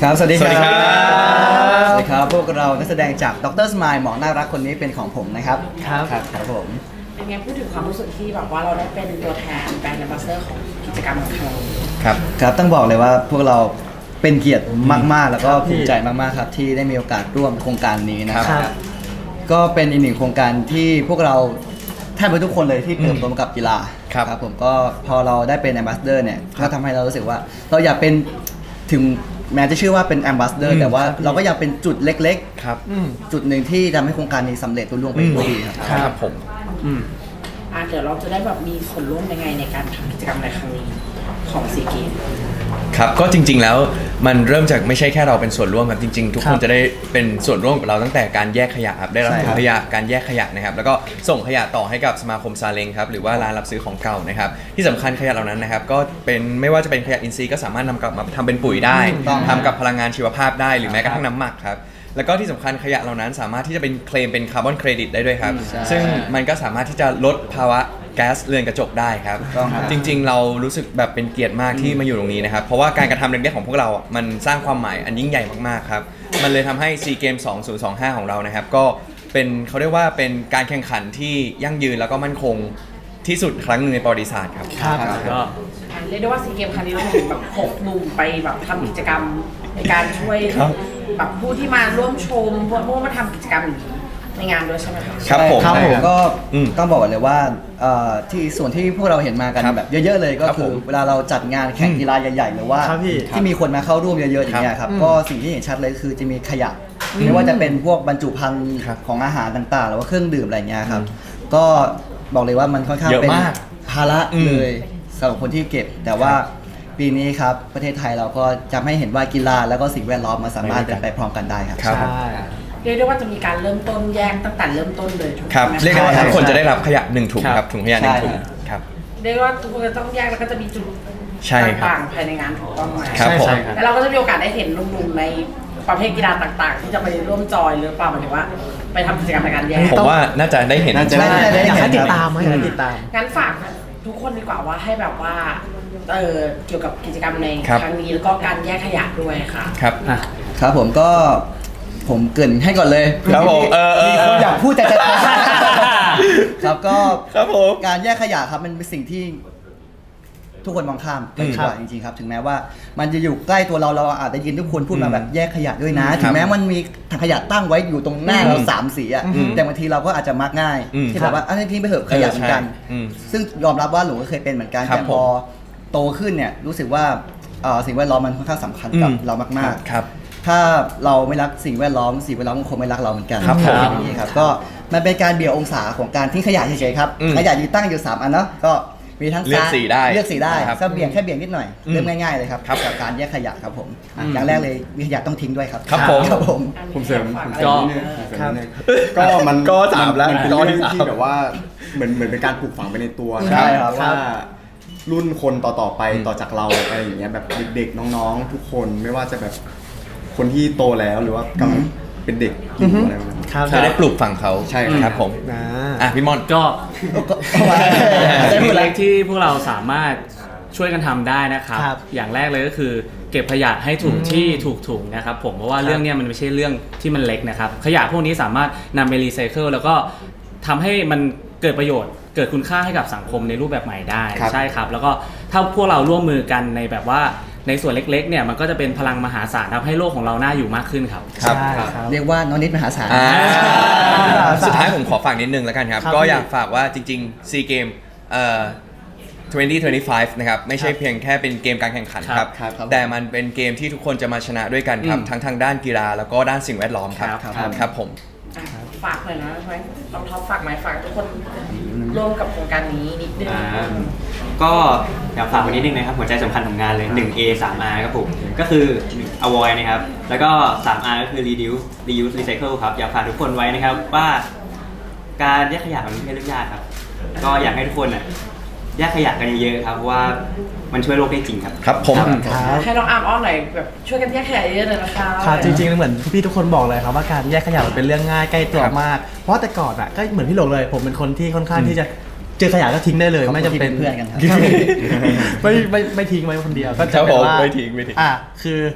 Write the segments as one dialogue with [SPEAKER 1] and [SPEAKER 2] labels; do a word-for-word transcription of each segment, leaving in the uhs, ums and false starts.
[SPEAKER 1] ครับสวัสดีครับ
[SPEAKER 2] สวัสดีครับ
[SPEAKER 1] สวัสดีครับพวกเรานักแสดงจากดรสมายหมอน่ารักคนนี้เป็นของผมนะครับ
[SPEAKER 3] ครับ
[SPEAKER 1] ครับครับผม
[SPEAKER 4] เป็นไงพูดถึงความรู้สึกที่แบบว่าเราได้เป็นตัวแทนแบรนด์แอมบาสเดอร์ของกิจกรรมของเรา
[SPEAKER 2] ครับ
[SPEAKER 1] ครับต้องบอกเลยว่าพวกเราเป็นเกียรติมากๆ แล้วก็ภูมิใจมากๆครับที่ได้มีโอกาสร่วมโครงการนี้นะค
[SPEAKER 3] ครั
[SPEAKER 1] รับ
[SPEAKER 3] บ
[SPEAKER 1] ก็เป็นอีกหนึ่งโครงการที่พวกเราแทบจะทุกคนเลยที่เติบโตมากับกีฬา
[SPEAKER 2] ครับ
[SPEAKER 1] ผมก็พอเราได้เป็นแอมบาสเดอร์เนี่ยก็ทำให้เรารู้สึกว่า เราอยากเป็นถึงแม้จะชื่อว่าเป็นแอมบาสเดอร์แต่ว่าเราก็อยากเป็นจุดเล็ก
[SPEAKER 2] ครับ
[SPEAKER 1] ๆ จุดหนึ่งที่ทำให้โครงการนี้สำเร็จรุ่ล่วงไปด้วยดีครับ
[SPEAKER 2] ครับผม
[SPEAKER 4] อ่ะเดี๋ยวเราจะได้แบบมีส่วนร่วมยังไงในการทำกิจกรรมในครั้งนี้ของซีเกม
[SPEAKER 2] ครับก็จริงๆแล้วมันเริ่มจากไม่ใช่แค่เราเป็นส่วนร่วมครับจริงๆ ทุกคนจะได้เป็นส่วนร่วมกับเราตั้งแต่การแยกขยะครับได้รับ
[SPEAKER 1] ใช่
[SPEAKER 2] ถุ
[SPEAKER 1] ครั
[SPEAKER 2] ง
[SPEAKER 1] บ
[SPEAKER 2] ขยะการแยกขยะนะครับแล้วก็ส่งขยะต่อให้กับสมาคมซาเล้งครับหรือว่าร้านรับซื้อของเก่านะครับที่สำคัญขยะเหล่านั้นนะครับก็เป็นไม่ว่าจะเป็นขยะอินทรีย์ก็สามารถนำกลับมาทำเป็นปุ๋ยได้
[SPEAKER 1] ถูกต้อง
[SPEAKER 2] ทำกับพลังงานชีวภาพได้หรือแม้กระทั่งน้ำหมักครับแล้วก็ที่สำคัญขยะเหล่านั้นสามารถที่จะเป็นเคลมเป็นคาร์บอนเครดิตได้ด้วยครับซึ่งมันก็สามารถที่จะลดภาวะแก๊สเรือนกระจกได้ครับ
[SPEAKER 1] ต้องครับ
[SPEAKER 2] จริงๆ เรารู้สึกแบบเป็นเกียรติมากที่มาอยู่ตรงนี้นะครับ เพราะว่าการกระทำเล็กๆของพวกเราอ่ะมันสร้างความหมายอันยิ่งใหญ่มากๆครับ มันเลยทำให้ ซี เกม สองพันยี่สิบห้า ของเรานะครับ ก็เป็นเขาเรียกว่าเป็นการแข่งขันที่ยั่งยืนแล้วก็มั่นคงที่สุดครั้งหนึ่งในประวัติศาสตร์ครับ
[SPEAKER 3] ครับ
[SPEAKER 1] ก็
[SPEAKER 4] อ่ะเรียกได้ว่าซีเกมครั้งนี้เราถึงแบบหกหนุ่มไปแบบทำกิจกรรมในการช่วย
[SPEAKER 2] ครับ
[SPEAKER 4] แบบผู้ที่มาร่วมชมพวกพวกมาทำกิจกรรมอย่างนี้ในงานด้วยใช่ไหมคะ
[SPEAKER 2] ครับผม
[SPEAKER 1] ครับผมก็
[SPEAKER 2] อืม
[SPEAKER 1] ต้องบอกก่อนเลยว่าเอ่อที่ส่วนที่พวกเราเห็นมากัน
[SPEAKER 2] ครับ
[SPEAKER 1] แบบเยอะๆเลยก็
[SPEAKER 2] ครับ
[SPEAKER 1] คื
[SPEAKER 2] ผ
[SPEAKER 1] อ
[SPEAKER 2] ม
[SPEAKER 1] เวลาเราจัดงานแข่งกีฬาใหญ่ๆหรือว่า
[SPEAKER 3] ครับพี่
[SPEAKER 1] ที่มีคนมาเข้าร่วมเยอะๆอย่างเงี้ยครับก็สิ่งที่เห็นชัดเลยคือจะมีขยะไม่ว่าจะเป็นพวกบรรจุภัณฑ์
[SPEAKER 2] ครับ
[SPEAKER 1] ของอาหารต่างๆ หรือว่าเครื่องดื่มอะไรเงี้ยครับก็บอกเลยว่ามันค่อนข้าง
[SPEAKER 2] เยอะ
[SPEAKER 1] เป็น
[SPEAKER 2] มาก
[SPEAKER 1] ภาระ
[SPEAKER 2] อืม
[SPEAKER 1] เลยสำหรับคนที่เก็บ แต่ว่าปีนี้ครับประเทศไทยเราก็จะให้เห็นว่ากีฬาแล้วก็สิ่งแวดล้อมมันสามารถเป็นไปพร้อมกันได้ครับ
[SPEAKER 2] ครับ
[SPEAKER 3] ใช่
[SPEAKER 4] เรียกได้ว่าจะมีการเริ่มต้นแยกตั้งแต่เริ่มต้นเลยถูก
[SPEAKER 2] ครับ
[SPEAKER 4] ไหมคะ
[SPEAKER 2] เรียกได้ว่า
[SPEAKER 1] ใช่
[SPEAKER 2] ทุกคน
[SPEAKER 1] ใช่
[SPEAKER 2] จะได้รับขยะหนึ่งถุง
[SPEAKER 3] ครับ
[SPEAKER 2] ครับถุงขยะหนึ่งถุง
[SPEAKER 1] ใช่
[SPEAKER 2] ครับ
[SPEAKER 4] เรียกได้ว่าทุกคนจะต้องแยกแล้วก็จะมีจุด
[SPEAKER 2] ใช่ครับ
[SPEAKER 4] ต่างๆภายในงานถูกต้องไหม
[SPEAKER 2] ครับผม
[SPEAKER 3] ใช่ครับ
[SPEAKER 4] แล้วเราก็จะมีโอกาสได้เห็นหนุ่มๆในประเภทกีฬาต่างๆ ที่จะไปร่วมจอยหรือเปล่าหมายถึงว่าไปทำกิจกรรมในการแยก
[SPEAKER 2] ผมว่าน่าจะได้เห็น
[SPEAKER 1] น่าจะ
[SPEAKER 3] ใช่
[SPEAKER 1] ได้
[SPEAKER 3] อยากให้
[SPEAKER 1] เห็น
[SPEAKER 3] ติด
[SPEAKER 1] ครับ
[SPEAKER 3] ตามไหมอยากให้ติดตาม
[SPEAKER 4] งั้นฝากทุกคนดีกว่าว่าให้แบบว่าเออเกี่ยวกับกิจกรรมใน
[SPEAKER 2] ครับ
[SPEAKER 4] ครั้งนี้แล้วก็การแยกขยะด้วยค่ะ
[SPEAKER 2] ครับ
[SPEAKER 3] อ่ะ
[SPEAKER 1] ครับผมก็ผมเกรินให้ก่อนเลย
[SPEAKER 2] ครับผมเออเออ
[SPEAKER 1] มีคนอยากพูดแต่จะ ครับก็
[SPEAKER 2] ครับผม
[SPEAKER 1] การแยกขยะครับมันเป็นสิ่งที่ทุกคนมองข้ามไปดีกว่าจริงๆครับถึงแม้ว่ามันจะอยู่ใกล้ตัวเราเราอาจจะยินทุกคนพูดมาแบบแยกขยะด้วยนะ
[SPEAKER 2] อืม
[SPEAKER 1] ถึงแม้มันมีถังขยะตั้งไว้อยู่ตรงหน้าเราสามสีอะ
[SPEAKER 2] อืม
[SPEAKER 1] แต่บางทีเราก็อาจจะมักง่าย
[SPEAKER 2] อืม
[SPEAKER 1] ที่แบบว่าอันนี้ทิ้งไปเถอะขยะเหมือนกัน
[SPEAKER 2] เออใช่อืม
[SPEAKER 1] ซึ่งยอมรับว่าหนูก็เคยเป็นเหมือนกัน
[SPEAKER 2] ครับ
[SPEAKER 1] แต่พอโตขึ้นเนี่ยรู้สึกว่าเอ่อสิ่งแวดล้อมมันค่อนข้างสำคัญกับ
[SPEAKER 2] อืม
[SPEAKER 1] เรามากๆ
[SPEAKER 2] ครับ
[SPEAKER 1] ถ้าเราไม่รักสิ่งแวดล้อมสิ่งแวดล้อมมันคงไม่รักเราเหมือนกัน
[SPEAKER 2] ครับผม
[SPEAKER 1] อย่างนี้ครับก็มันเป็นการเบี่ยงองศาของการทิ้งขยะเฉยๆครับ
[SPEAKER 2] อืม
[SPEAKER 1] ขยะอยู่ตั้งอยู่สามอันเนาะก็มีทั้ง
[SPEAKER 2] เลือก
[SPEAKER 1] ซ้าย
[SPEAKER 2] สีได้
[SPEAKER 1] เลือกสีได้
[SPEAKER 2] ครับ
[SPEAKER 1] ก็เบี่ยงแค่เบี่ยงนิดหน่อย
[SPEAKER 2] อืม
[SPEAKER 1] เริ่มง่ายๆเลยครับ
[SPEAKER 2] ครับ
[SPEAKER 1] กับการแยกขยะครับผมอ่ะอย่างแรกเลยมีขยะต้องทิ้งด้วยครับ
[SPEAKER 2] ครับผม
[SPEAKER 1] ครับผม
[SPEAKER 5] ผมเสริม
[SPEAKER 4] ฝาก
[SPEAKER 5] ผม
[SPEAKER 4] อะไร
[SPEAKER 5] เสริม
[SPEAKER 3] ก็
[SPEAKER 5] นิดนึงผมเสริม
[SPEAKER 3] ครับ
[SPEAKER 5] นิดนึงก็มัน
[SPEAKER 2] ก็สามแล้ว
[SPEAKER 5] นเป็น
[SPEAKER 2] ก็ที่
[SPEAKER 5] เรื่อง
[SPEAKER 2] สาม
[SPEAKER 5] ที่แบบว่าเหมือนเหมือนเป็นการปลูกฝังไปในตัว
[SPEAKER 1] ใช่ครับ
[SPEAKER 5] ว่ารุ่นคนต่อๆไปต่อจากเราอะไรอย่างเงี้ยแบบเด็กๆน้องๆ ทุกคนไม่ว่าจะแบบคนที่โตแล้วหรือว่ากำลังเป็นเด็กอยู่อะไรแบบนั้น
[SPEAKER 3] ครับ
[SPEAKER 2] จะได้ปลูกฝังเขา
[SPEAKER 5] ใช่ครับ
[SPEAKER 2] ครับผม
[SPEAKER 3] นะ
[SPEAKER 2] อ่ะพี่มอน
[SPEAKER 6] ก็
[SPEAKER 1] ได้หมด
[SPEAKER 6] สิ่ง
[SPEAKER 1] แล้
[SPEAKER 6] เล็
[SPEAKER 1] ว
[SPEAKER 6] กที่พวกเราสามารถช่วยกันทำได้นะครับ
[SPEAKER 3] ครับ
[SPEAKER 6] อย่างแรกเลยก็คือเก็บขยะให้ถูกที่ถูกถุงนะครับผมเพราะว่าเรื่องเนี้ยมันไม่ใช่เรื่องที่มันเล็กนะครับ ขยะพวกนี้สามารถนำไปรีไซเคิลแล้วก็ทำให้มันเกิดประโยชน์ เกิดคุณค่าให้กับสังคมในรูปแบบใหม่ได้
[SPEAKER 5] ครับ
[SPEAKER 6] ใช่ครับ แล้วก็ถ้าพวกเราร่วมมือกันในแบบว่าในส่วนเล็กๆเนี่ยมันก็จะเป็นพลังมหาศาลทำให้โลกของเราน่าอยู่มากขึ้นครับ
[SPEAKER 2] ครับ
[SPEAKER 3] ใช่ครับ
[SPEAKER 1] เรียกว่าน้องนิดมหาศาล
[SPEAKER 2] อ่าสุดท้ายผมขอฝากนิดนึงแล้วกันครับ
[SPEAKER 3] ครับ
[SPEAKER 2] ก็
[SPEAKER 3] พี่
[SPEAKER 2] อยากฝากว่าจริงๆ ซี เกมเอ่อสองพันยี่สิบห้า นะครับ ไม่ใช่เพียงแค่เป็นเกมการแข่งขันครับ
[SPEAKER 1] ครับครับ
[SPEAKER 2] แต่มันเป็นเกมที่ทุกคนจะมาชนะด้วยกันครับ
[SPEAKER 6] อืม
[SPEAKER 2] ทั้งทางด้านกีฬาแล้วก็ด้านสิ่งแวดล้อมครับ
[SPEAKER 6] ครับ
[SPEAKER 2] ครับผม
[SPEAKER 4] อ่ะฝากหน่อยนะใช่ไหมลองท็อปฝากไหมฝากทุกคนร่วมกับโครงการนี้นิดนึง
[SPEAKER 7] อ่าก็อยากฝากไว้นิดนึงนะครับหัวใจสำคัญของงานเลย หนึ่ง เอ สาม อาร์ ครับผมก็คือ avoid นะครับแล้วก็ สาม อาร์ ก็คือ reduce reuse recycle ครับอยากฝากทุกคนไว้นะครับว่าการแยกขยะมันไม่ใช่เรื่องยากครับก็อยากให้ทุกคนน่ะแยกขยะกันเยอะๆครับเพราะว่ามันช่วยโลกได้จริงครับ
[SPEAKER 2] ครับผม
[SPEAKER 3] ครับ
[SPEAKER 4] ให้น้องอาร์มอ้อนหน่อยแบบช่วยกันแยกขยะเยอะๆเลยนะคะ
[SPEAKER 3] ครับจริงๆเหมือนพี่ทุกคนบอกเลยครับว่าการแยกขยะมันเป็นเรื่องง่ายใกล้ตัวมาก เพราะแต่ก่อนอ่ะก็เหมือนพี่หลงเลย ผมเป็นคนที่ค่อนข้างที่จะเจอขยะก็ทิ้งได้เลย
[SPEAKER 1] ขอบคุณ
[SPEAKER 3] ไม่จำเป็น
[SPEAKER 1] ที่เป็นเพื่อนกันครับ
[SPEAKER 3] ไม่ไม่ไม่ทิ้งไว้คนเดียวก็
[SPEAKER 2] ครั
[SPEAKER 3] จะ
[SPEAKER 2] บ
[SPEAKER 3] เป็น
[SPEAKER 2] ผม
[SPEAKER 3] ว่า
[SPEAKER 2] ไม่ทิ้งไม่ทิ้ง
[SPEAKER 3] อ่ะคือ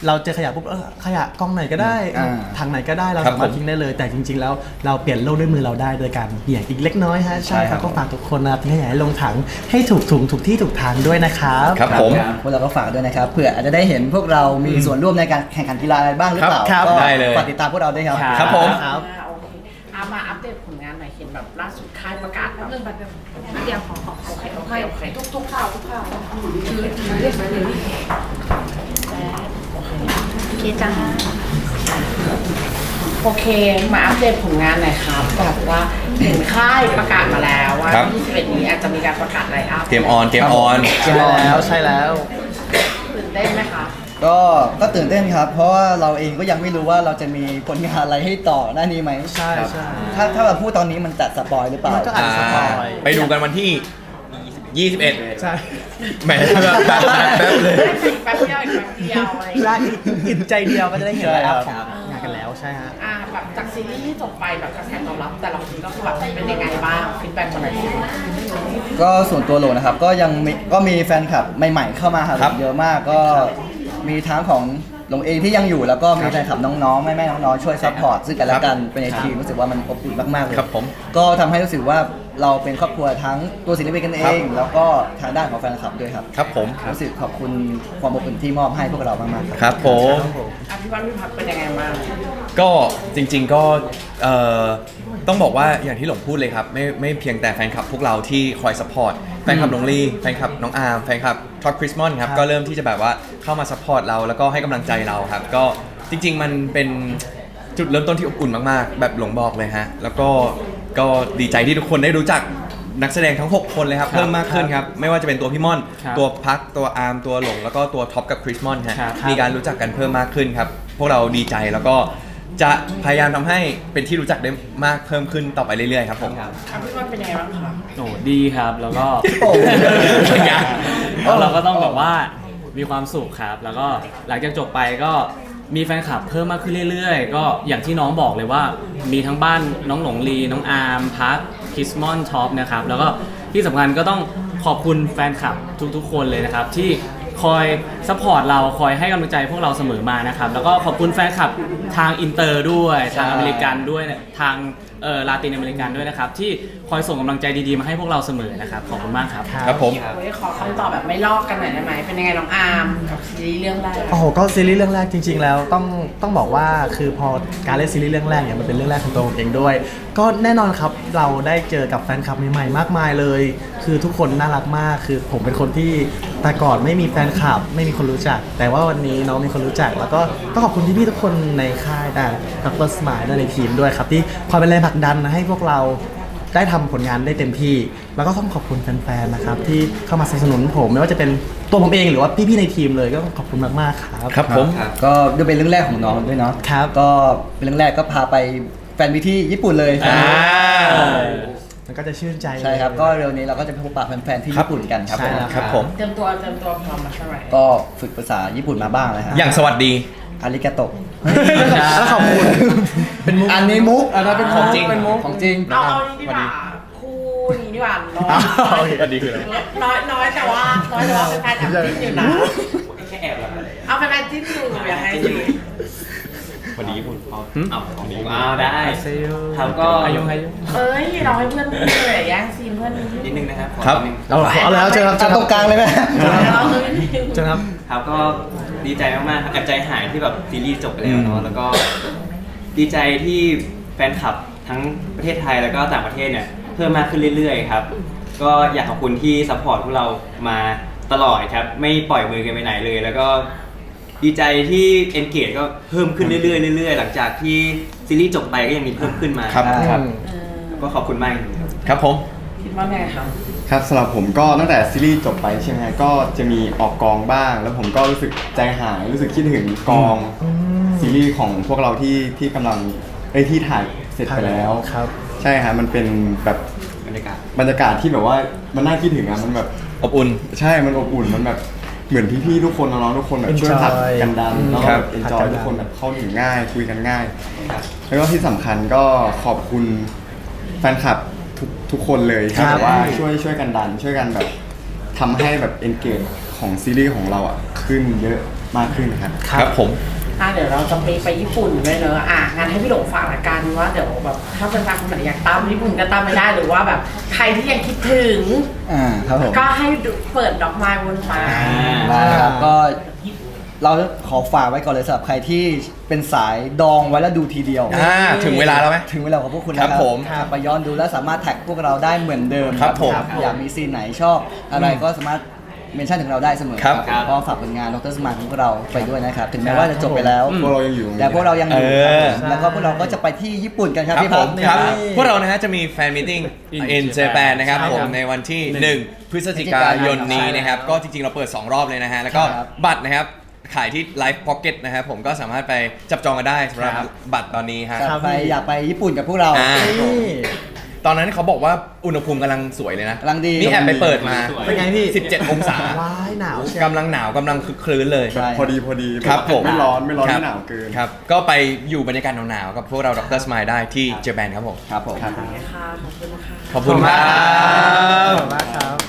[SPEAKER 3] เราเจอขยะปุ๊บเออขยะกองไหนก็ได้
[SPEAKER 1] อ่า
[SPEAKER 3] ถังไหนก็ได้เรา
[SPEAKER 2] ครับ
[SPEAKER 3] สามารถ
[SPEAKER 2] ผม
[SPEAKER 3] ทิ้งได้เลย แต่จริง ๆ แล้วเราเปลี่ยนโลกด้วยมือเราได้โดยการเบี่ยงอีกเล็กน้อยฮะใช่
[SPEAKER 1] ใช่
[SPEAKER 3] ค
[SPEAKER 1] ครั
[SPEAKER 3] รับบ ก็ฝากทุกคนนะครับทิ้งขยะให้ลงถังให้ถูกถุงถูกที่ถูกทางด้วยนะครับ
[SPEAKER 2] ครับผม
[SPEAKER 1] พวกเราก็ฝากด้วยนะครับเผื่ออาจจะได้เห็นพวกเรามีส่วนร่วมในการแข่งขันกีฬาอะไรบ้างหรือเปล่า
[SPEAKER 3] ครับ
[SPEAKER 1] ก็
[SPEAKER 2] ได้เลย
[SPEAKER 1] ฝากติดตามพวกเราด้วยครับ
[SPEAKER 2] ครับผม
[SPEAKER 3] ครับ
[SPEAKER 4] อ่าโอเคเอามาอัปเดตผลงานหน่อยเห็นแบบล่าสุดค่ายประกาศแบบ
[SPEAKER 8] เรื่องบัตรเดียวของของ
[SPEAKER 4] โอเคโอเคโอเค
[SPEAKER 8] ทุกทุกข่าวทุกข่าวคือเรียกไปเลยโอเคจ้า
[SPEAKER 4] โอเคมาอัปเดตผลงานหน่อยครับแบบว่าเห็นค่ายประกาศมาแล้วว่า
[SPEAKER 2] ครับ
[SPEAKER 4] ยี่สิบเอ็ดนี้อาจจะมีการประกาศไลน์อัพ
[SPEAKER 2] เกมออนเกมออน
[SPEAKER 3] ใช่แล้วใช่แล้ว
[SPEAKER 4] ตื่นเต้นไหมคะ
[SPEAKER 1] ก็ก็ตื่นเต้นครับ เพราะว่าเราเองก็ยังไม่รู้ว่าเราจะมีผลงานอะไรให้ต่อหน้านี้ไหม
[SPEAKER 3] ใช่ใช่
[SPEAKER 1] ถ้าถ้าเราพูดตอนนี้มันจัดสปอยหรือเปล่า
[SPEAKER 3] มันก็อาจจะ สปอย
[SPEAKER 2] ไปดูกันวันที่ ยี่สิบเอ็ด
[SPEAKER 3] ใช่
[SPEAKER 2] แหมแบบแป๊บแป๊บเลย
[SPEAKER 4] แป๊บเดียวอีกแป๊บเดียวอะไรอย่างเงี้ย
[SPEAKER 3] และอิ่มใจเดียวก็จะได้เห็น
[SPEAKER 1] ใช่
[SPEAKER 3] ไลฟ์อัพ
[SPEAKER 1] ค
[SPEAKER 3] ข
[SPEAKER 1] รั
[SPEAKER 3] อบ งงานกันแล้วใช่ฮะ
[SPEAKER 4] อ่าแบบจากซีรีส์ที่จบไปแบบกระแสตอบรับแต่ละคนก็คือแบบเป็นยังไงบ้างฟีดแบ็กมาหน่อยสิ
[SPEAKER 1] ก็ส่วนตัวโหลนะครับก็ยังมีก็มีแฟนคลับใหม่ๆเข้ามาหา
[SPEAKER 2] ครับ
[SPEAKER 1] เยอะมากก็มีทั้งของหลงเองที่ยังอยู่แล้วก็มีแฟนคลับน้องๆแม่ๆน้องๆช่วยซัพพอร์ตซึ่งกันและกันเป็นในทีมรู้สึกว่ามันอบอุ่นมากๆเลย
[SPEAKER 2] ครับผม
[SPEAKER 1] ก็ทำให้รู้สึกว่าเราเป็นครอบครัวทั้งตัวศิลปินกันเอ
[SPEAKER 2] ครับ
[SPEAKER 1] ง แล้วก็ทางด้านของแฟนคลับด้วยครับ
[SPEAKER 2] ครับผม
[SPEAKER 1] รู้สึกขอบคุณความอบอุ่นที่มอบให้พวกเรามากๆครับ
[SPEAKER 2] ครับผม
[SPEAKER 4] อ่ะพี่วันพี่พักเป็นยังไงบ้าง
[SPEAKER 2] ก็จริงๆก็เอ่อต้องบอกว่าอย่างที่หลงพูดเลยครับไม่ไม่เพียงแต่แฟนคลับพวกเราที่คอยสปอร์ตแฟนคลับหลงลี่แฟนคลับน้องอาร์มแฟนคลับท็อปคริสมอนครับ
[SPEAKER 3] ครับ
[SPEAKER 2] ก็เริ่มที่จะแบบว่าเข้ามาสปอร์ตเราแล้วก็ให้กำลังใจเราครับ ก็จริง ๆ มันเป็นจุดเริ่มต้นที่อบอุ่นมากๆ แบบหลงบอกเลยฮะแล้วก็ก็ดีใจที่ทุกคนได้รู้จักนักแสดงทั้งหกคนเลยครับเพิ่มมากขึ้นครับไม่ว่าจะเป็นตัวพี่ม่อน
[SPEAKER 6] ครับ
[SPEAKER 2] ตัวพักตัวอาร์มตัวหลงแล้วก็ตัวท็อปกับคริสมอนฮะ
[SPEAKER 6] ครับ
[SPEAKER 2] มีการรู้จักกันเพิ่มมากขึ้นครับ พวกเราดีใจแล้วก็จะพยายามทำให้เป็นที่รู้จักได้มากเพิ่มขึ้นต่อไปเรื่อยๆครับผม
[SPEAKER 4] อ่ะพี่วันเป็นยังไงบ้างคะ
[SPEAKER 6] โอ้ดีครับแล้วก็
[SPEAKER 1] โอ้
[SPEAKER 2] เป็นไง
[SPEAKER 6] แล้วเราก็ต้องแบบว่ามีความสุขครับ แล้วก็หลังจากจบไปก็มีแฟนคลับเพิ่มมากขึ้นเรื่อยๆ ก็อย่างที่น้องบอกเลยว่ามีทั้งบ้านน้องหลงลีน้องอาร์มพักคิสมอนท็อปนะครับแล้วก็ที่สำคัญก็ต้องขอบคุณแฟนคลับทุกๆ คนเลยนะครับที่คอยซัพพอร์ตเราคอยให้กำลังใจพวกเราเสมอมานะครับแล้วก็ขอบคุณแฟนคลับทางอินเตอร์ด้วยทางอเมริกันด้วยทางเอ่อลาตินอเมริกันด้วยนะครับที่คอยส่งกำลังใจดีๆมาให้พวกเราเสมอนะครับขอบคุณมากครับ
[SPEAKER 2] ครับผม
[SPEAKER 4] เฮ้ยขอคำตอบแบบไม่ลอกกันหน่อยได้ไหมเป็นยังไงน้องอาร์มกับซีรีส์เรื่องแรก
[SPEAKER 3] โอ้โหก็ซีรีส์เรื่องแรกจริง ๆ แล้วต้องต้องบอกว่าคือพอการเล่นซีรีส์เรื่องแรกเนี่ยมันเป็นเรื่องแรกของตัวผมเองด้วย ก็แน่นอนครับเราได้เจอกับแฟนคลับใหม่ๆมากมายเลย คือทุกคนน่ารักมากคือผมเป็นคนที่แต่ก่อนไม่มีแฟนคลับไม่มีคนรู้จัก แต่ว่าวันนี้น้องมีคนรู้จัก แล้วก็ต้องขอบคุณพี่ๆทุกคนในค่ายแต่ดรสมายและในทีมด้วยครับที่คอยเป็นแรงผลักดันให้พวกเราได้ทำผลงานได้เต็มที่ แล้วก็ต้องขอบคุณแฟนๆนะครับที่เข้ามาสนับสนุนผมไม่ว่าจะเป็นตัวผมเองหรือว่าพี่ๆในทีมเลยก็ขอบคุณมากๆครับ
[SPEAKER 2] ครับผม
[SPEAKER 1] ก็ด้วยเป็นเรื่องแรกของน้องด้วยเนาะ
[SPEAKER 3] ครับ
[SPEAKER 1] ก็เป็นเรื่องแรกก็พาไปแฟนมิตที่ญี่ปุ่นเลย
[SPEAKER 2] อ่า
[SPEAKER 3] มันก็จะชื่นใจ
[SPEAKER 1] ใช่ครับก็เร็วนี้เราก็จะไปพบปะแฟนๆที่ญี่ปุ่นกันครับ
[SPEAKER 3] ใช่
[SPEAKER 1] ผม
[SPEAKER 3] แล้ว
[SPEAKER 2] ครับผม
[SPEAKER 4] เตรียมตัวเตรียมตัวพร้อมมาใช่ไหม
[SPEAKER 1] ก็ฝึกภาษาญี่ปุ่นมาบ้างแล้วฮะ
[SPEAKER 2] อย่างสวัสดี
[SPEAKER 1] อาริกาโตะ
[SPEAKER 3] แล้วขอบคุณเป็นมุก
[SPEAKER 1] อันนี้มุกอันนั้นเป็น
[SPEAKER 2] ของจริง
[SPEAKER 1] เป็นมุกของจริง
[SPEAKER 4] เอาเอานี้ดีกว่าคู่นี้ดีกว่าน้อย
[SPEAKER 2] สวัสดีคืออะไร
[SPEAKER 4] น้อยน้อยแต่ว่าน้อยแต่ว่าเป็นแฟนแอบจิ้นอยู่นะเอาเป็นแฟนจิ้นอยู่อยากให้จิ้น
[SPEAKER 7] วันนี้คุณพ่อเอาวันนี้อ้าวได้
[SPEAKER 3] เซล
[SPEAKER 7] ครับก็
[SPEAKER 6] อายุอายุ
[SPEAKER 4] เอ้ยเราให้เพื่อนพูดเลยแย่งซีนเพื่อนนิด
[SPEAKER 7] นิดนึงนะครับขอ
[SPEAKER 2] ครับ
[SPEAKER 7] นิดนึง
[SPEAKER 3] เอาเอาแล้วเจอครับเจ
[SPEAKER 1] จั
[SPEAKER 3] อบ ค
[SPEAKER 1] ต
[SPEAKER 3] รั
[SPEAKER 1] ร
[SPEAKER 3] บ
[SPEAKER 1] งกลางเลยไหม
[SPEAKER 4] เราเลย
[SPEAKER 3] เจอครับ
[SPEAKER 7] ครับก็ดีใจมากๆครับแอบใจหายที่แบบซีรีส์จบไปแล้วเนาะแล้วก็ดีใจที่แฟนคลับทั้งประเทศไทยแล้วก็ต่างประเทศเนี่ยเพิ่มมากขึ้นเรื่อยๆครับก็อยากขอบคุณที่ซัพพอร์ตพวกเรามาตลอดครับไม่ปล่อยมือกันไปไหนเลย แล้วก็ดีใจที่ engage ก็เพิ่มขึ้นเรื่อยๆเรื่อยๆหลังจากที่ซีรีส์จบไปก็ยังมีเพิ่มขึ้นมา
[SPEAKER 2] ครับ
[SPEAKER 1] ครับ
[SPEAKER 7] ก็ขอบคุณมากจริงๆครับ
[SPEAKER 2] ครับผม
[SPEAKER 4] คิดว่าไงครับ
[SPEAKER 5] ครับสำหรับผมก็ตั้งแต่ซีรีส์จบไปใช่ไหมฮะก็จะมีออกกองบ้าง แล้วผมก็รู้สึกใจหายรู้สึกคิดถึงกองซีรีส์ของพวกเราที่ที่กำลังไอ้ยที่ถ่ายเสร็จไปแล้ว
[SPEAKER 3] ครับ
[SPEAKER 5] ใช่ฮะมันเป็นแบบ
[SPEAKER 7] บรรยากาศ
[SPEAKER 5] บรรยากาศที่แบบว่ามันน่าคิดถึงอะมันแบบ
[SPEAKER 2] อบอุ่น
[SPEAKER 5] ใช่มันอบอุ่นมันแบบเหมือนพี่ๆทุกคนน้องๆทุกคนแบบช่วย
[SPEAKER 3] Enjoy
[SPEAKER 5] ผลักกันดันแล้ว
[SPEAKER 2] ค
[SPEAKER 5] ก็
[SPEAKER 2] รับ
[SPEAKER 5] แบบเอนจอย
[SPEAKER 3] ผลักกันดัน
[SPEAKER 5] ทุกคนแบบเข้าถึงง่ายคุยกันง่าย แล้วก็ที่สำคัญก็ขอบคุณแฟนคลับทุกทุกคนเลย
[SPEAKER 3] ครั
[SPEAKER 5] ที่
[SPEAKER 3] บ
[SPEAKER 5] แบบว่าช่วยช่วยกันดัน ช่วยกันแบบทำให้แบบ engage ของซีรีส์ของเราอ่ะขึ้นเยอะมากขึ้นนะครับ
[SPEAKER 2] ครับผม
[SPEAKER 4] อ่ะเดี๋ยวเราจะไปไปญี่ปุ่นด้วยเนอะอ่ะงั้นให้พี่หลงฝากละกันว่าเดี๋ยวแบบถ้าเป็นแฟนคนไหนอยากตามญี่ปุ่นก็ตามไม่ได้หรือว่าแบบใครที่ยังคิดถึง
[SPEAKER 1] อ่าครับผม
[SPEAKER 4] ก็ให้ดูเปิดดอกไม้บนฟ้า
[SPEAKER 1] ได้ครับก็เราขอฝากไว้ก่อนเลยสำหรับใครที่เป็นสายดองไว้แล้วดูทีเดียว
[SPEAKER 2] อ่าถึงเวลาแล้วไหม
[SPEAKER 1] ถึงเวลาของพวกคุณนะค
[SPEAKER 2] ครั
[SPEAKER 1] รับบ
[SPEAKER 2] ผม
[SPEAKER 1] กลับไปย้อนดูแล้วสามารถแท็กพวกเราได้เหมือนเดิม
[SPEAKER 2] ครับผม
[SPEAKER 1] อยากมีซีนไหนชอบอะไรก็สามารถเมนชั่นถึงเราได้เสมอ
[SPEAKER 2] ครับ
[SPEAKER 1] ก็ฝากผลงานดรสมานของพวกเราไปด้วยนะครับ ถึงแม้ว่าจะจบไปแล้ว
[SPEAKER 5] พวกเรายังอยู่
[SPEAKER 1] แต่พวกเรายังอยู่
[SPEAKER 2] เออ
[SPEAKER 1] ครับผมแล้วก็พวกเราก็จะไปที่ญี่ปุ่นกันครับ
[SPEAKER 2] ครับ
[SPEAKER 1] พี่
[SPEAKER 2] ผ
[SPEAKER 1] พั
[SPEAKER 2] ม
[SPEAKER 1] ฒน์
[SPEAKER 2] ครับ
[SPEAKER 1] นี่
[SPEAKER 2] พวกเรานะฮะจะมีแฟนมิทติ้ง
[SPEAKER 6] In
[SPEAKER 2] in
[SPEAKER 6] Japan
[SPEAKER 2] Japan นะครับ
[SPEAKER 6] ใช่
[SPEAKER 2] ผม
[SPEAKER 6] ครับ
[SPEAKER 2] ในวันที่
[SPEAKER 6] หนึ่ง
[SPEAKER 2] หนึ่งพฤศจิกายนนี้นะครับ ก็จริงๆ เราเปิด สอง รอบเลยนะฮะ แล้วก็
[SPEAKER 1] ครับ
[SPEAKER 2] บัตรนะครับ ขายที่ Live Pocket นะครับผมก็สามารถไปจับจองกันได้สำหรับ
[SPEAKER 6] ครับ
[SPEAKER 2] บัตรตอนนี้ฮะ
[SPEAKER 1] ครับไปอยากไปญี่ปุ่นกับพวกเรา
[SPEAKER 2] อ่า
[SPEAKER 1] นี่
[SPEAKER 2] ตอนนั้นเขาบอกว่าอุณหภูมิกำลังสวยเลยนะ
[SPEAKER 1] กำลังดี
[SPEAKER 2] นี่แอบไปเปิดมา
[SPEAKER 3] เป็นไงพี่
[SPEAKER 2] สิบเจ็ด องศา
[SPEAKER 3] ว้ายหนาวเชียว
[SPEAKER 2] กำลังหนาวกำลังคึกคลื้นเลย
[SPEAKER 1] ใช่
[SPEAKER 5] พอดีพอดี
[SPEAKER 2] ครับผม
[SPEAKER 5] ไม่ร้อนไม่ร้อน
[SPEAKER 2] คบ
[SPEAKER 5] ไม่หนาวเกิน
[SPEAKER 2] ครับ ก็ไปอยู่บรรยากาศหนาวๆกับพวกเราดรสมายได้ที่เจแปนครับผม
[SPEAKER 1] ครับผม
[SPEAKER 4] ค่ะ ขอบคุณค่ะ
[SPEAKER 2] ขอบคุณครับ
[SPEAKER 3] ขอบคุณมากครับ